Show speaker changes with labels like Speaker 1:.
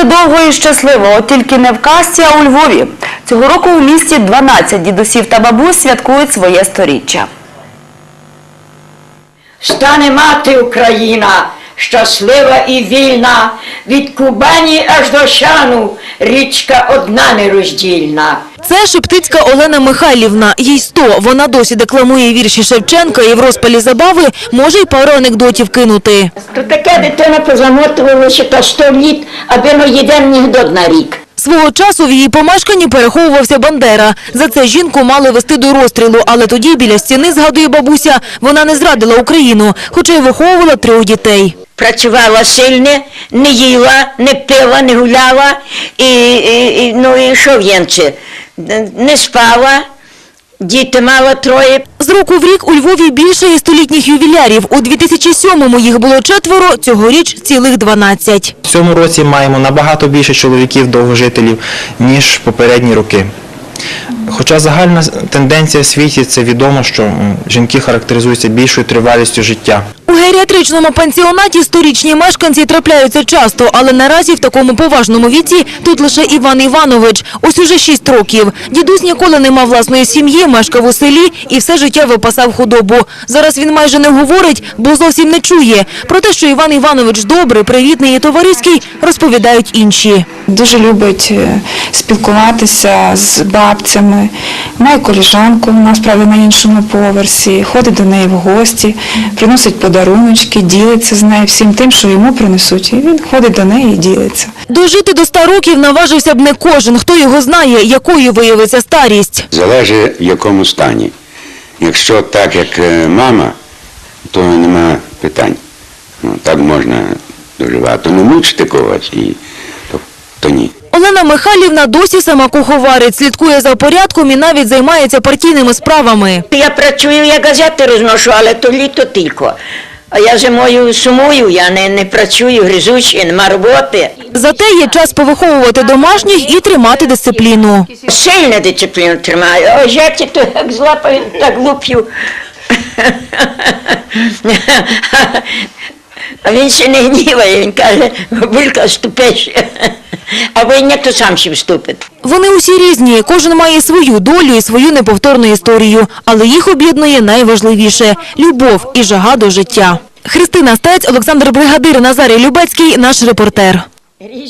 Speaker 1: жили довго і щасливо, от тільки не в казці, а у Львові. Цього року у місті 12 дідусів та бабусь святкують своє сторіччя.
Speaker 2: Стане мати Україна, щаслива і вільна, від Кубані аж до Шану, річка одна нероздільна.
Speaker 3: Це Шептицька Олена Михайлівна. Їй 100. Вона досі декламує вірші Шевченка і в розпалі забави може й пару анекдотів кинути.
Speaker 2: То таке дитина позамотувалося та 100 літ, аби не єден анекдот на рік.
Speaker 3: Свого часу в її помешканні переховувався Бандера. За це жінку мали вести до розстрілу, але тоді біля стіни, згадує бабуся, вона не зрадила Україну, хоча й виховувала 3 дітей.
Speaker 2: Працювала сильно, не їла, не пила, не гуляла, і що в'єнце, не спала, діти мала 3.
Speaker 3: З року в рік у Львові більше є столітніх ювілярів. У 2007-му їх було 4, цьогоріч цілих 12.
Speaker 4: В цьому році маємо набагато більше чоловіків-довгожителів, ніж попередні роки. Хоча загальна тенденція в світі – це відомо, що жінки характеризуються більшою тривалістю життя.
Speaker 3: У геріатричному пансіонаті 100-річні мешканці трапляються часто, але наразі в такому поважному віці тут лише Іван Іванович. Ось уже 6 років. Дідусь ніколи не мав власної сім'ї, мешкав у селі і все життя випасав худобу. Зараз він майже не говорить, бо зовсім не чує. Про те, що Іван Іванович добрий, привітний і товариський, розповідають інші.
Speaker 5: Дуже любить спілкуватися з бабцями. Має колежанку, вона, справді, на іншому поверсі, ходить до неї в гості, приносить подаруночки, ділиться з нею всім тим, що йому принесуть. І він ходить до неї і ділиться.
Speaker 3: Дожити до 100 років наважився б не кожен. Хто його знає, якою виявиться старість.
Speaker 6: Залежить, в якому стані. Якщо так, як мама, то нема питань. Так можна доживати. Не мучити когось, то ні.
Speaker 3: Олена Михайлівна досі сама куховарить, слідкує за порядком і навіть займається партійними справами.
Speaker 2: Я працюю, я газети розношу, але то літо тільки. А я зимою сумую, я не працюю, гризучий, нема роботи.
Speaker 3: Зате є час повиховувати домашніх і тримати дисципліну.
Speaker 2: Сильно дисципліну тримаю, а жертві то як злапаю, так луплю. А він ще не гніває, він каже, бабулька, ступиш. А ви ні, то сам ще вступить.
Speaker 3: Вони усі різні, кожен має свою долю і свою неповторну історію. Але їх об'єднує найважливіше – любов і жага до життя. Христина Стець, Олександр Бригадир, Назарій Любецький – наш репортер.